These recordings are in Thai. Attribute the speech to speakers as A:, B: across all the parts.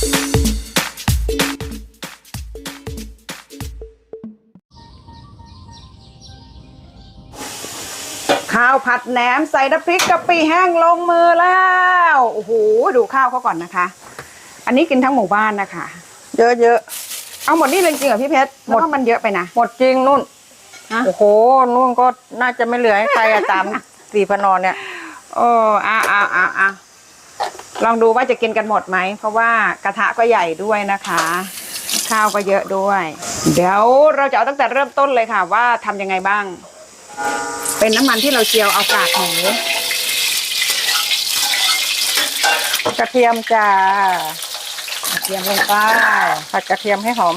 A: ข้าวผัดแหนมใส่น้ำพริกกะปิแห้งลงมือแล้วโอ้โหดูข้าวเขาก่อนนะคะอันนี้กินทั้งหมู่บ้านนะคะเยอะๆเอาหมดนี่เลยจริงเหรอพี่เพชรหมดมันเยอะไปนะ
B: หมดจริงนุ่นโอ้โหนุ่นก็น่าจะไม่เหลือให้ใครตามสี่พนอนเนี่ย
A: โอ้ลองดูว่าจะกินกันหมดไหมเพราะว่ากระทะก็ใหญ่ด้วยนะคะข้าวก็เยอะด้วยเดี๋ยวเราจะเอาตั้งแต่เริ่มต้นเลยค่ะว่าทำยังไงบ้างเป็นน้ำมันที่เราเจียวเอากากหมู
B: กระเทียมจ้ากระเทียมลงไปผัดกระเทียมให้หอม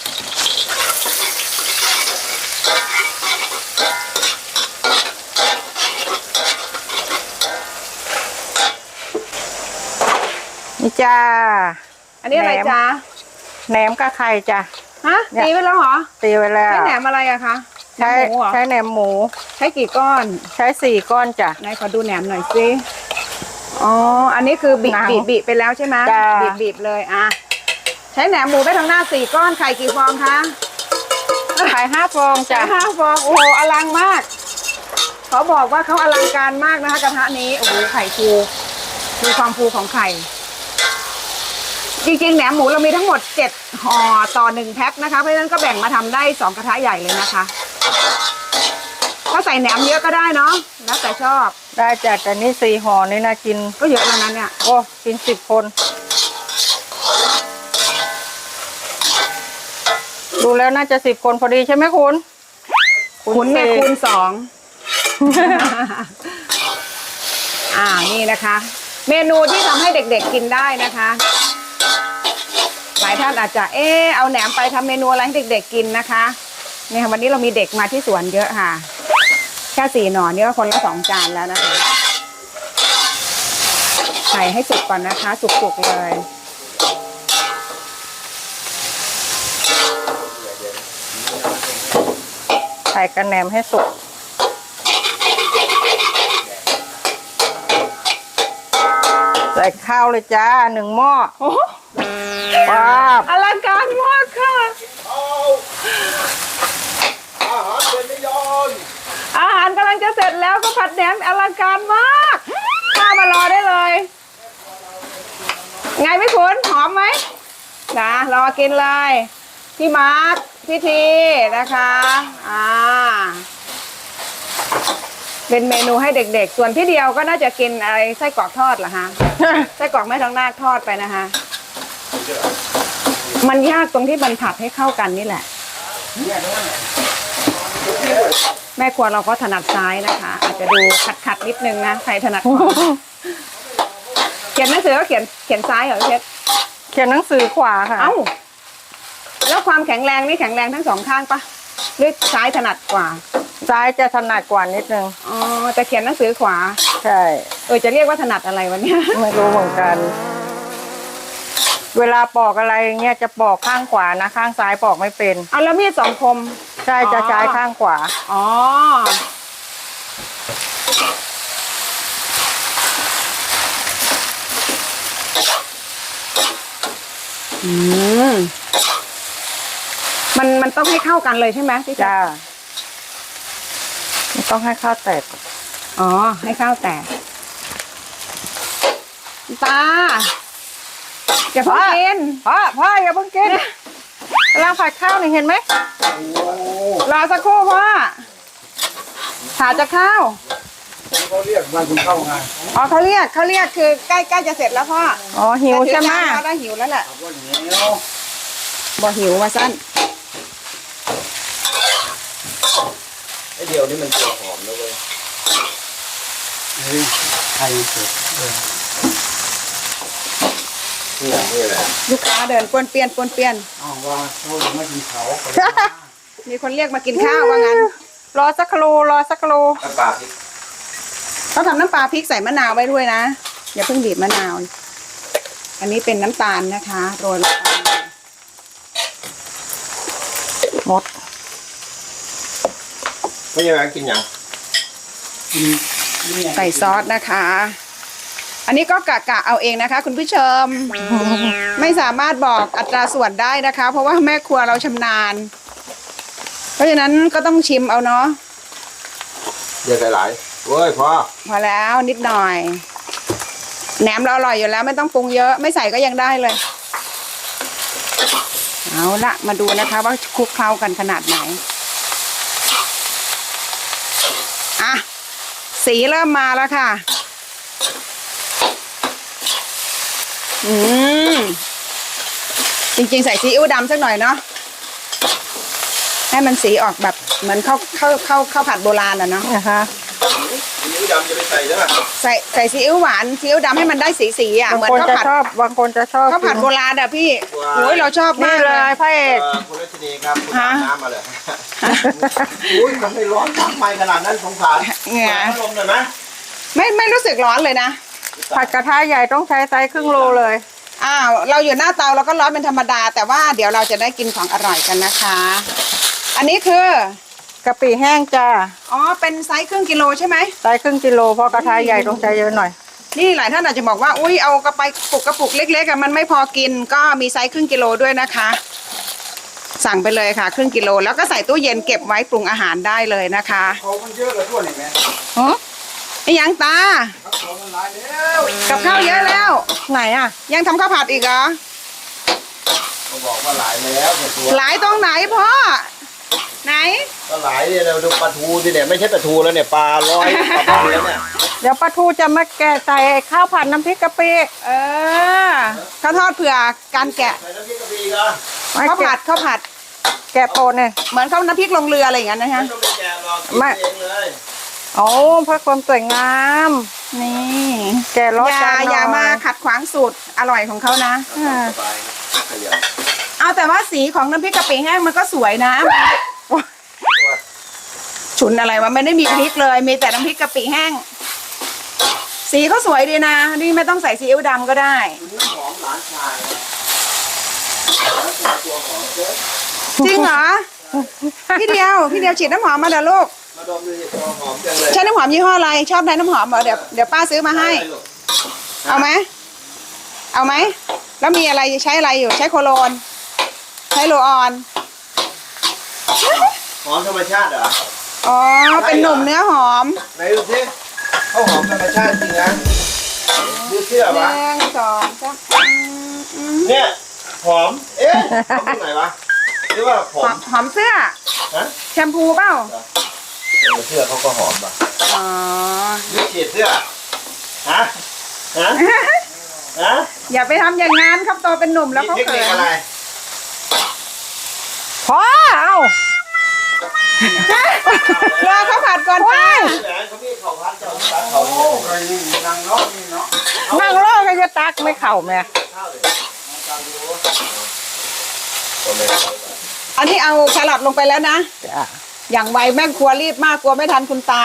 B: นี่จ้า
A: อันนี้อะไรจ้า
B: แหนมกับไข่จ้า
A: ฮะตีไว้แล้วเหรอ
B: ตีไว้แล้ว
A: ใช้แหนมอะไรอะคะ
B: ใช้แหนมหมู
A: ใช้กี่ก้อน
B: ใช้4 ก้อนจ้ะ
A: ไหนขอดูแหนมหน่อยสิอ๋ออันนี้คือบีบไปแล้วใช่ไหมบีบเลยอ่ะใช้แหนมหมูไปทั้งหน้า4 ก้อนไข่กี่ฟองคะ
B: ไข่5 ฟองจ้ะ
A: 5 ฟองโอ้โหอลังมากเขาบอกว่าเขาอลังการมากนะคะกระทะนี้โอ้โหไข่ฟูมีความฟูของไข่จริงๆแหนมหมูเรามีทั้งหมด7 ห่อต่อ1 แพ็คนะคะเพราะฉะนั้นก็แบ่งมาทำได้2 กระทะใหญ่เลยนะคะถ้าใส่แหนมเยอะก็ได้เนาะแล้วแต่ชอบ
B: ได้จ้ะแต่นี่4 ห่อนี่นะกิน
A: ก็เยอะแล้วนั้นเนี่ย
B: โอ้กิน10 คนดูแล้วน่าจะ10 คนพอดีใช่ไหมคุณ
A: เนี่ยคูณ 2นี่นะคะ เมนูที่ทำให้เด็กๆกินได้นะคะหลายท่านอาจจะเอาแหนมไปทำเมนูอะไรให้เด็กๆกินนะคะเนี่ยวันนี้เรามีเด็กมาที่สวนเยอะค่ะแค่4 หน่อนี่ก็คนละ2 จานแล้วนะคะใส่ให้สุกก่อนนะคะสุกๆเลย
B: ใส่กระแหนมให้สุกใส่ข้าวเลยจ้า1 หม้อว้าว
A: อลังการมากค่ะอาหารกำลังจะเสร็จแล้วก็ผัดแหนมอลังการมากข้ามารอได้เลยไงพี่ขุนหอมไหมนะรอกินเลยพี่มาร์คพี่ทีนะคะเป็นเมนูให้เด็กๆส่วนพี่เดียวก็น่าจะกินอะไรไส้กรอกทอดเหรอฮะ ไส้กรอกแม่ทองนาคทอดไปนะคะมันยากตรงที่มันผัดให้เข้ากันนี่แหละแม่ครัวเราก็ถนัดซ้ายนะคะอาจจะดูขัดนิดนึงนะใครถนัดขวาเขียนหนังสือก็เขียนซ้ายเหรอเพชร
B: เขียนหนังสือขวาค่ะ
A: แล้วความแข็งแรงนี่แข็งแรงทั้ง2 ข้างปะหรือซ้ายถนัดกว่า
B: ซ้ายจะถนัดกว่านิดนึง
A: แต่เขียนหนังสือขวา
B: ใช่
A: จะเรียกว่าถนัดอะไรวันนี้
B: ไม่รู้เหมือนกันเวลาปอกอะไรเงี้ยจะปอกข้างขวานะข้างซ้ายปอกไม่เป็น
A: แล้วมีด2 คม
B: ใช่จะใช้ข้างขวา
A: มันต้องให้เข้ากันเลยใช่ไหมพี่
B: จ้าต้องให้ข้าวแตก
A: ให้ข้าวแตกตาอย่าเพิ่งกิน
B: พ่ออย่าเพิ่งกินกำลังผัดข้าวนี่เห็นไหม
A: รอสักครู่พ่อผ่าจะข้าว
C: เขาเรียกมากินข้าวไง
A: เขาเรียกคือใกล้จะเสร็จแล้วพ่อ
B: หิวใช่ไหม
A: ได้หิวแล้วแหละบ่หิวมาสั้น
C: ไอเดียวนี่มันตัวหอมนะเว้ยไทยสุดนี่แหละ
A: ลูกค้าเดินป้วนเปี้ยน
C: ว่าเขาไม่กินเขา
A: มีคนเรียกมากินข้าวว่างั้น
B: รอสักครู่
C: น้ำปลาพริก
A: เขาทำน้ำปลาพริกใส่มะนาวไว้ด้วยนะอย่าเพิ่งบีบมะนาวอันนี้เป็นน้ำตาลนะคะโรยลงไป
B: หมด
C: ไม่ยังไงกินยัง
A: ใส่ซอสนะคะอันนี้ก็กะเอาเองนะคะคุณผู้ชมไม่ไม่สามารถบอกอัตราส่วนได้นะคะ เพราะว่าแม่ครัวเราชำนาญ เพราะฉะนั้นก็ต้องชิมเอาเนาะ
C: เดี๋ยวหลายเว้ยพอ
A: พอแล้วนิดหน่อย แหนมเราอร่อยอยู่แล้วไม่ต้องปรุงเยอะไม่ใส่ก็ยังได้เลย เอาละมาดูนะคะว่าคลุกเคล้ากันขนาดไหนอ่ะสีเริ่มมาแล้วค่ะจริงๆใส่ซีอิ๊วดำสักหน่อยเนาะให้มันสีออกแบบเหมือนข้าวผัดโบราณอะเนาะ
B: นะคะ
C: นิ้วดำจะไปใส่ได้ไหม
A: ใส่ซีอิ๊วหวานซีอิ๊วดำให้มันได้สีอ่ะ
B: บาง
A: เหมือน
B: คน
A: ข้าว
B: จะ
A: ผัด
B: ชอบบางคนจะชอบ
A: ข้าวผัดโบราณอะพี่โอ้ยเราชอบ
B: นี่
A: มาก
B: เล
A: เลย ย
B: พระเอก
C: คุณรัชนีครับคุณอาบน้ำมาเลยอุ้ยทำไมร้อนทำไมขนาดนั้นสงสาร
A: เหงื่อ
C: พัดลมหน่อยไหม
A: ไม่รู้สึกร้อนเลยนะ
B: ผัดกระทะใหญ่ต้องใช้ไซส์ครึ่งโลเลย
A: อ้าวเราอยู่หน้าเตาเราก็ร้อนเป็นธรรมดา แต่ว่าเดี๋ยวเราจะได้กินของอร่อยกันนะคะ อันนี้คือก
B: ะปิแห้งจ้า
A: อ๋อเป็นไซส์ครึ่งกิโลใช่ไหม
B: ไซส์ครึ่งกิโลเพราะกระทะใหญ่ต้องใช้เยอะหน่อย
A: นี่หลายท่านอาจจะบอกว่าอุ้ยเอากระปุกเล็กๆอะมันไม่พอกินก็มีไซส์ครึ่งกิโลด้วยนะคะ สั่งไปเลยค่ะครึ่งกิโลแล้วก็ใส่ตู้เย็นเก็บไว้ปรุงอาหารได้เลยนะคะ
C: เขามันเยอะเลยทั่วนี่แม่
B: ฮะ
A: ไอ้ยังตา
C: เขามันหลายแล้ว
A: กับข้าวเยอะแล้ว
B: ไหนอ่ะ
A: ยังทำข้าวผัดอีกเหรอ
C: เขาบอกว่าหลายแล้วแต่ตัว
A: หลายตรงไหนพ่อไหน
C: ก็หลายเนี่ยเราดูปลาทูสิเนี่ยไม่ใช่ปลาทูแล้วเนี่ยปลาร้อยปลาบ้านแล้วเนี่ย
B: เดี๋ยวปลาทูจะมาแกะใส่ข้าวผัดน้ำพริกกะปิ
A: เออข้าวทอดเผื่อการแกะ
C: ใส่น้ำพริกกะปิก็
A: ข้าวผัด
B: แกะโปนเนี่ย
A: เหมือนข้าวน้ำพริกลงเรืออะไรอย่างนั้นนะ
C: ไม่
A: ฮะ
C: ต้องไปแกะหรอกกินเองเลย
B: โอ้เพื่อความสวยงาม
A: นี่
B: แกะรส
A: อย่ามาขัดขวางสูตรอร่อยของเขานะ
C: สบายครับขยัน
A: เอาแต่ว่าสีของน้ำพริกกะปิแห้งมันก็สวยนะ ฉุนอะไรวะไม่ได้มีพริกเลยมีแต่น้ำพริกกะปิแห้ง สีเขาสวยดีนะนี่ไม่ต้องใส่ซีอิ๊วดำก็ได้
C: คุณน้ำหอมหลานชายตัวหอมเจ๊
A: จริงเหรอ พี่เดียวฉีดน้ำหอมมาเดี๋ยวลูก
C: มาดมดูสิตัวหอมจังเลย
A: ใช้น้ำหอมยี่ห้ออะไรชอบได้น้ำหอมเหรอเดี๋ยวป้าซื้อมาให้ เอาไหมแล้วมีอะไรใช้อะไรอยู่ใช้โคโลนใช้โรลออน
C: หอมธรรมชาติเหรอ
A: อ๋อเป็นหนุ่มเนื้อหอม
C: ไหนดูสิเขาหอมธรรมชาติจริงนะดูเชื่อ
A: ห
C: ปะ
A: นึ่งสองสาม
C: เนี่ยหอมเอ๊ะหอมตรงไหนวะหรือว่าผม
A: หอมเสื้อ
C: ฮะ
A: แชมพูเปล่า
C: เสื้อเขาก็หอมป่ะ
A: อ๋อ
C: นี่ฉีดเสื้อฮะฮะฮะ
A: อย่าไปทำอย่างนั้นครับโตเป็นหนุ่มแล้ว
C: มี
A: เขา
C: เทค
A: เขิ
C: นิคน อะไร
B: พอเอา
A: รอเขาผัดก่อนป้า
C: แหวนเขามีเขาพัดเจ้าตัดเขาเนี่ยนางเนาะนี่เนาะ
B: นั่งรอก็จะตักไม่เข่าแม่
C: ข้าวเลยตามดูตัวเล็ก
A: อันนี้เอาแครอทลงไปแล้วนะ
B: จ้ะ
A: อย่างไวแม่ครัวรีบมากกลัวไม่ทันคุณตา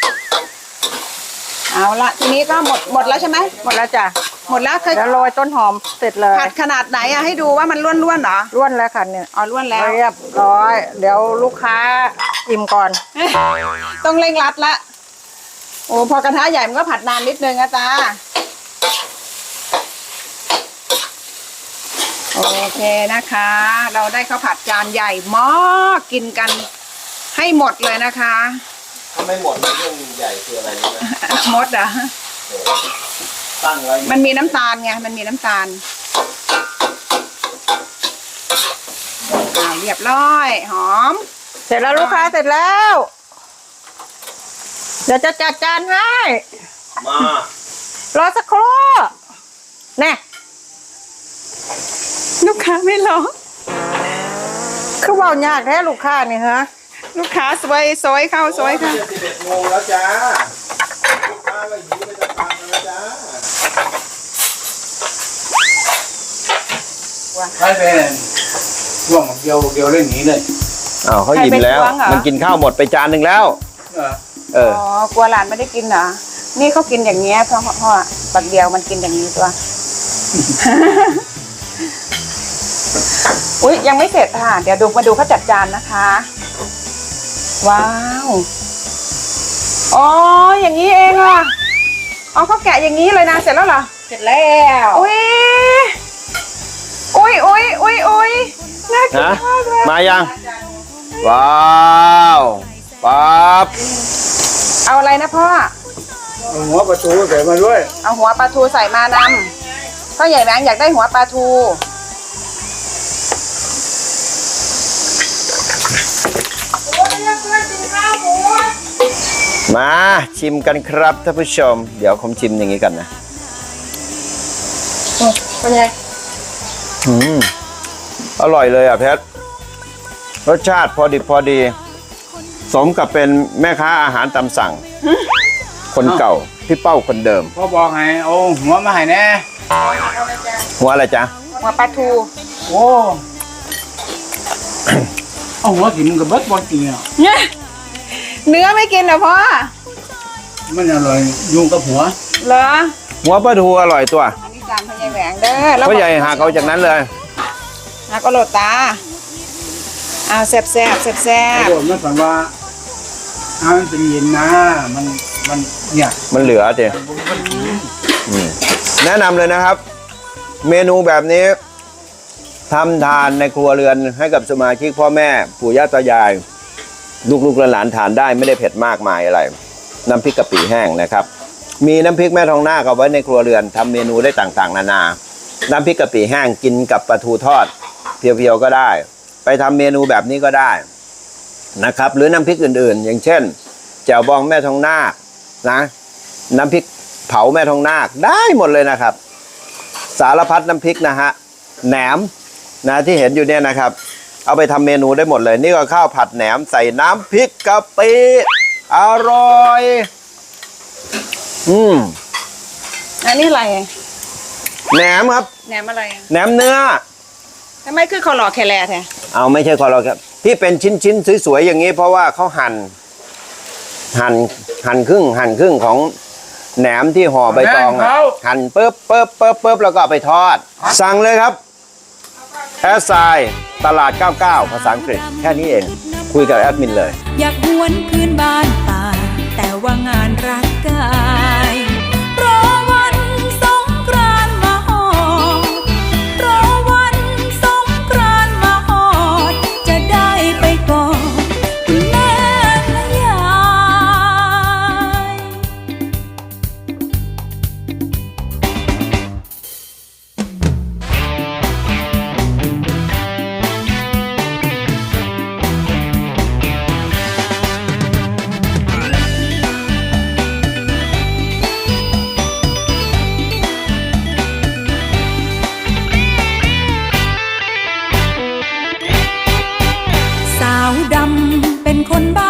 A: เอาละทีนี้ก็หมดแล้วใช่ไหม
B: หมดแล้วจ้ะ
A: หมดแล้วเคย
B: เดี๋ยวโรยต้นหอมเสร็จเลย
A: ผัดขนาดไหนอะให้ดูว่ามันล้วนๆเหรอ
B: ร่วนแล้วค่ะเนี่ย
A: อ๋อล้วนแล้ว
B: เรียบร้อย เดี๋ยวลูกค้าอิ่มก่อน
A: ต้องเร่งรัดละโอ้พอกระทะใหญ่มันก็ผัดนานนิดนึงนะจ๊ะโอเคนะคะ เราได้ข้าวผัดจานใหญ่มากกินกันให้หมดเลยนะคะ
C: ถ้าไม่หมดเรื่องใหญ่คืออะไรรู้ไหม
A: หมดเหรอ
C: ตั้งไว้
A: มันมีน้ำตาลไงมันมีน้ำตาลเรียบร้อยหอม
B: เสร็จแล้วลูกค้าเสร็จแล้ว เดี๋ยวจะจัดจานให้
C: มาร
B: อสักครู่แน่
A: ลูกค้าไม่รอ
B: คือเว่ายากแท้ลูกค้านี่ฮะ
A: ลูกค้าสวยสวยเข้าสวยค่ะ
C: 11 โมงแล้วจ้าลูกค้าก็หิวไปจะฟังแล้วจ้าใช่เป็นช่วงเดียวเรื่องนี้เลยอ้าวเขาอิ่มแล้ว มันกินข้าวหมดไปจานหนึ่งแล้วเออ
A: อ๋อกลัวหลานไม่ได้กินเหรอ นี่เขากินอย่างเงี้ยเพราะปักเดียวมันกินอย่างนี้ตัว อุ๊ยยังไม่เสร็จค่ะ เดี๋ยวมาดูเขาจัดจานนะคะ ว้าว อ๋ออย่างนี้เองอ่ะอ๋อเขาแกะอย่างนี้เลยนะ เสร็จแล้วเหรอ
B: เสร็จแล้ว
A: อุ้ย
C: นะมายังว้าวปั๊บ
A: เอาอะไรนะพ่อ
D: เอาหัวประตูใส่มาด้วย
A: เอาหัวปลาทูใส่มานำพ่อใหญ่แหวงอยากได้หัวปลาทู
C: มาชิมกันครับท่านผู้ชม เดี๋ยวผมชิมอย่างนี้กันนะ
A: เป็นไง
C: อร่อยเลยอ่ะเพชรรสชาติพอดี สมกับเป็นแม่ค้าอาหารตามสั่ง คนเก่าพี่เป้าคนเดิม
D: พ่อบอกให้เอาหัวมาให้แน่
C: หัวอะไรจ๊ะ
A: หัวปลาทู
D: โอ้เอาหัวกินกับเบิดบอลกินอ่ะ
A: เนี่ยเนื้อไม่กินเหรอพ่อ
D: มันอร่อยยุงกับหัว
A: เหรอ
C: หัวปลาทูอร่อยตัว
A: อันนี้จานพ่อใหญ่แหวงเด้อแล้ว
C: พ่อใหญ่หากเอาจากนั้นเลย
A: หักเอาโหลดตาเอาแซ่บแซ่บ
D: โอ้มันฝันว่ามันเป็นเย็นนะมันเนี่ย
C: มันเหลือเจแนะนำเลยนะครับ เมนูแบบนี้ทำทานในครัวเรือนให้กับสมาชิกพ่อแม่ปู่ย่าตายาย ลูกๆหลานๆทานได้ไม่ได้เผ็ดมากมายอะไร น้ำพริกกะปิแห้งนะครับ มีน้ำพริกแม่ทองหน้าเอาไว้ในครัวเรือนทำเมนูได้ต่างๆนานา น้ำพริกกะปิแห้งกินกับปลาทูทอด เพียวๆก็ได้ ไปทำเมนูแบบนี้ก็ได้นะครับ หรือน้ำพริกอื่นๆ อย่างเช่นแจ่วบองแม่ทองนาคนะน้ำพริกเผาแม่ทองนาคได้หมดเลยนะครับ สารพัดน้ำพริกนะฮะแหนมนะที่เห็นอยู่เนี่ยนะครับ เอาไปทำเมนูได้หมดเลย นี่ก็ข้าวผัดแหนมใส่น้ำพริกกะปิอร่อย
A: อันนี้อะไร
C: แหนมครับ
A: แหนมอะไร
C: แหนมเนื้อ
A: ทำไมคือคอหล่อแคแลแท้
C: เอาไม่ใช่คอเราครับที่เป็นชิ้นๆสวยๆอย่างนี้ เพราะว่าเขาหั่นครึ่งของแหนมที่ห่อใบตองอะหั่นปึ๊บแล้วก็เอาไปทอด สั่งเลยครับแอสไซตลาด 99 ภาษาอังกฤษแค่นี้เอง คุยกับแอดมินเลย
E: อยากหวนคืนบ้านป่าแต่ว่างานรักกายรอวันสงกรานต์มาหอดรอวันสงกรานต์มาหอดจะได้ไปกอดคุณแม่และยายสาวดำเป็นคนบ้า